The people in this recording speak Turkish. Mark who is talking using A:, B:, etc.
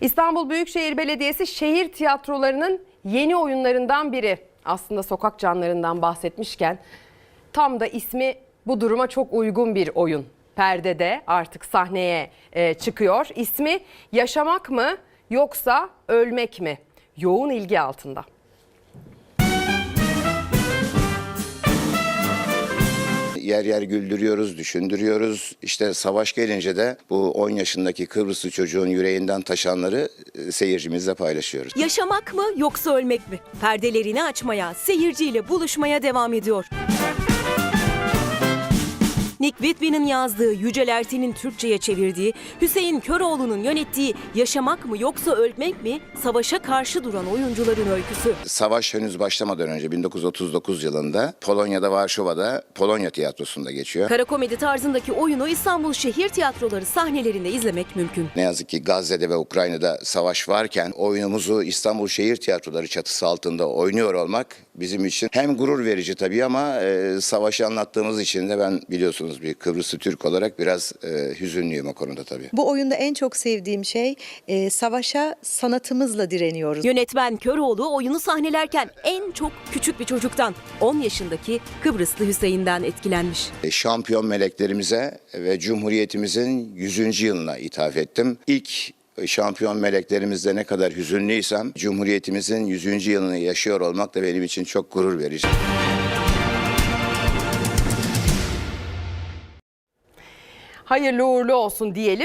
A: İstanbul Büyükşehir Belediyesi şehir tiyatrolarının yeni oyunlarından biri. Aslında sokak canlarından bahsetmişken tam da ismi bu duruma çok uygun bir oyun. Perdede artık sahneye çıkıyor. İsmi Yaşamak mı yoksa Ölmek mi? Yoğun ilgi altında.
B: Yer yer güldürüyoruz, düşündürüyoruz. İşte savaş gelince de bu 10 yaşındaki Kıbrıslı çocuğun yüreğinden taşanları seyircimizle paylaşıyoruz.
C: Yaşamak mı yoksa ölmek mi? Perdelerini açmaya, seyirciyle buluşmaya devam ediyor. Nick Whitby'nin yazdığı, Yücel Erten'in Türkçe'ye çevirdiği, Hüseyin Köroğlu'nun yönettiği Yaşamak mı yoksa Ölmek mi? Savaşa karşı duran oyuncuların öyküsü.
B: Savaş henüz başlamadan önce 1939 yılında Polonya'da, Varşova'da Polonya Tiyatrosu'nda geçiyor.
C: Kara komedi tarzındaki oyunu İstanbul Şehir Tiyatroları sahnelerinde izlemek mümkün.
B: Ne yazık ki Gazze'de ve Ukrayna'da savaş varken oyunumuzu İstanbul Şehir Tiyatroları çatısı altında oynuyor olmak bizim için hem gurur verici tabii ama savaşı anlattığımız için de ben biliyorsunuz bir Kıbrıslı Türk olarak biraz hüzünlüyüm o konuda tabii.
D: Bu oyunda en çok sevdiğim şey savaşa sanatımızla direniyoruz.
C: Yönetmen Köroğlu oyunu sahnelerken en çok küçük bir çocuktan, 10 yaşındaki Kıbrıslı Hüseyin'den etkilenmiş.
B: Şampiyon meleklerimize ve Cumhuriyetimizin 100. yılına ithaf ettim. İlk şampiyon meleklerimizde ne kadar hüzünlüysem Cumhuriyetimizin 100. yılını yaşıyor olmak da benim için çok gurur verici.
A: Hayırlı uğurlu olsun diyelim.